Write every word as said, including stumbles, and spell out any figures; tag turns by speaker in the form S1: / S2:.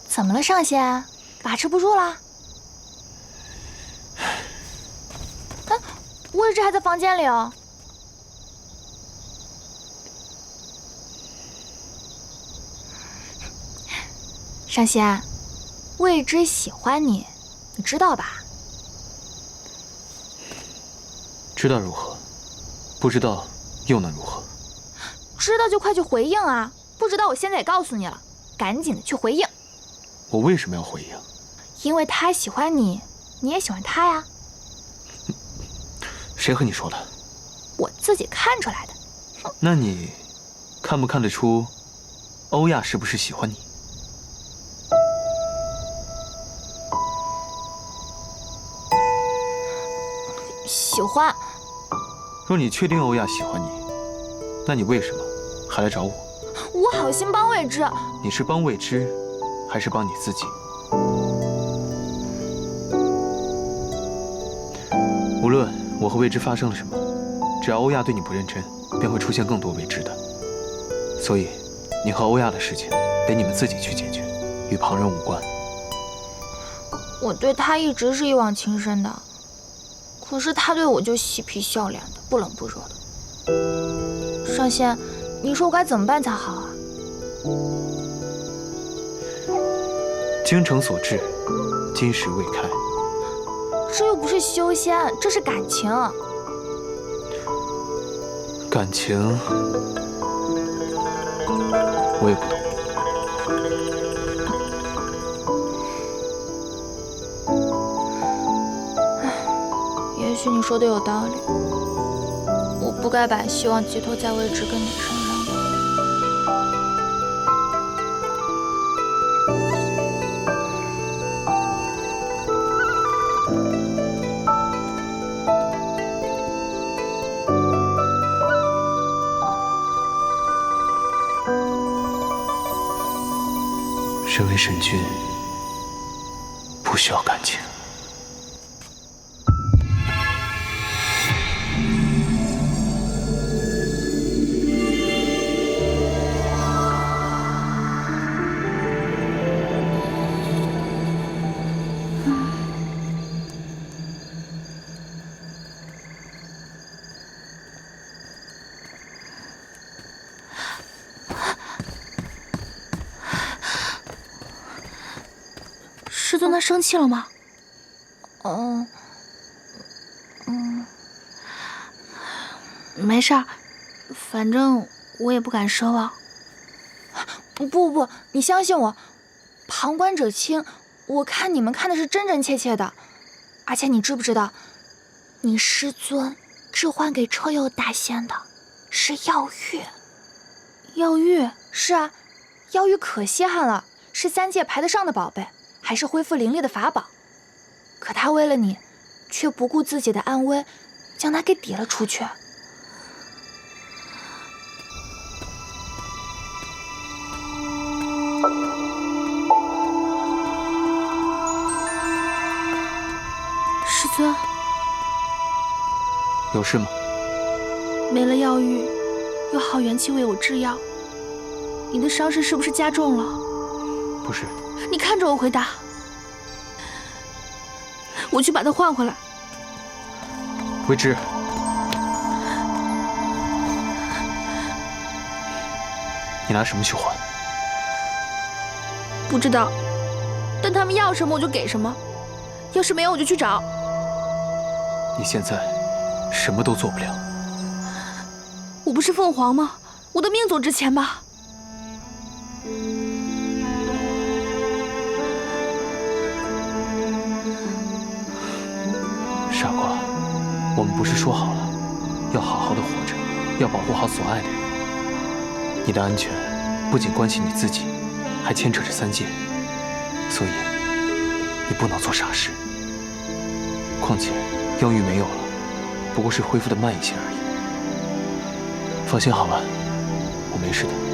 S1: 怎么了，上仙？把持不住了？哎，魏之还在房间里哦。上仙，魏之喜欢你，你知道吧？
S2: 知道如何？不知道又能如何？
S1: 知道就快去回应啊！不知道我现在也告诉你了，赶紧的去回应。
S2: 我为什么要回应？
S1: 因为他喜欢你，你也喜欢他呀。
S2: 谁和你说的？
S1: 我自己看出来的。
S2: 那你看不看得出欧亚是不是喜欢你？
S1: 喜欢。
S2: 若你确定欧亚喜欢你，那你为什么还来找我？
S1: 我好心帮魏之。
S2: 你是帮魏之，还是帮你自己？无论我和魏之发生了什么，只要欧亚对你不认真，便会出现更多未知的。所以，你和欧亚的事情得你们自己去解决，与旁人无关。
S1: 我对他一直是一往情深的，可是他对我就嬉皮笑脸的，不冷不热的。上仙，你说我该怎么办才好啊？
S2: 精诚所至，金石未开。
S1: 这又不是修仙，这是感情。
S2: 感情，我也不懂。
S1: 也许你说的有道理，我不该把希望寄托在魏之跟你身上。
S2: 身为神君，不需要感情。
S3: 师尊他生气了吗？
S1: 嗯，嗯，
S3: 没事儿，反正我也不敢奢望。
S1: 不不不，你相信我，旁观者清，我看你们看的是真真切切的。而且你知不知道，你师尊置换给车友大仙的是药玉。
S3: 药玉？
S1: 是啊，药玉可稀罕了，是三界排得上的宝贝。还是恢复灵力的法宝，可他为了你，却不顾自己的安危，将它给抵了出去。
S3: 师尊，
S2: 有事吗？
S3: 没了药玉，有好元气为我制药，你的伤势是不是加重了？
S2: 不是。
S3: 你看着我回答，我去把它换回来。
S2: 魏之，你拿什么去换？
S3: 不知道，但他们要什么我就给什么，要是没有我就去找。
S2: 你现在什么都做不了。
S3: 我不是凤凰吗？我的命总值钱吧？
S2: 傻瓜，我们不是说好了，要好好的活着，要保护好所爱的人。你的安全不仅关系你自己，还牵扯着三界，所以你不能做傻事。况且药玉没有了，不过是恢复的慢一些而已。放心好了，我没事的。